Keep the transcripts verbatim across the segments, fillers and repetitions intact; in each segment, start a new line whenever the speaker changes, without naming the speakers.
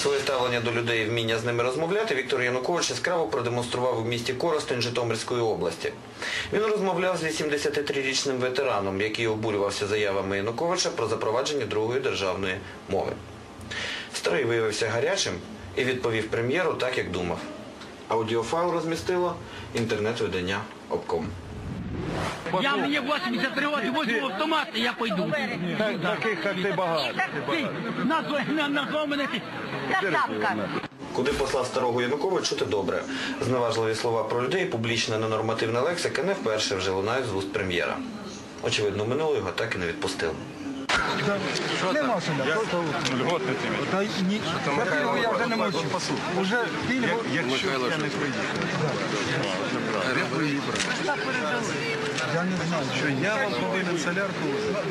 Своє ставлення до людей і вміння з ними розмовляти Віктор Янукович яскраво продемонстрував у місті Коростень Житомирської області. Він розмовляв з вісімдесятитрирічним ветераном, який обурювався заявами Януковича про запровадження другої державної мови. Старий виявився гарячим і відповів прем'єру так, як думав. Аудіофайл розмістило інтернет-видання Обком.
Я мені вісімдесят три роки, возьму автомат, і я пойду.
Таких, як ти, багато.
Назвав мене ти. Красавка.
Куди послав старого Янукович, чути добре. Зневажливі слова про людей, публічна ненормативна лексика не вперше вже лунають з вуст прем'єра. Очевидно, минуло його так і не відпустило.
Нема сюди. Льготне тобі. Я вже не можу. Уже пільгу. Якщо я не приїду. Я не знаю. Що я вам повинен солярку.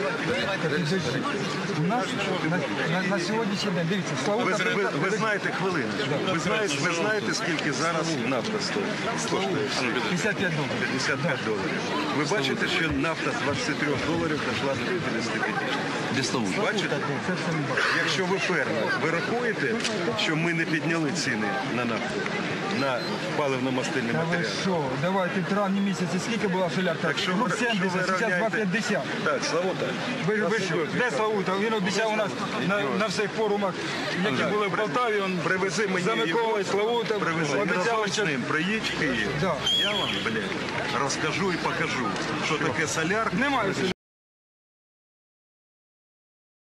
У нас на сьогоднішній день, дивіться, Славута... Ви знаєте хвилину. Ви знаєте, скільки зараз нафта стоїть? п'ятдесят п'ять доларів. п'ятдесят п'ять доларів. Ви бачите, що нафта з двадцяти трьох доларів дійшла до п'ятдесят п'ять. Бачите? Якщо ви фермер, ви рахуєте, що ми не підняли ціни на нафту, на паливно-мастильні матеріали?
Що, давайте в травні місяці скільки була солярка?
Так що ви
сімдесят, зараз два п'ятдесят.
Так, Славута.
Ви, ви що, де Славута? Він обіцяв у нас на, на всіх форумах, які були в Полтаві, він
Привези мені
за Миколою, Славута,
Привези.
обіцяв, що...
Ним. Приїдь в Київ.
Да.
Я вам, блядь, розкажу і покажу, що таке солярка.
Немає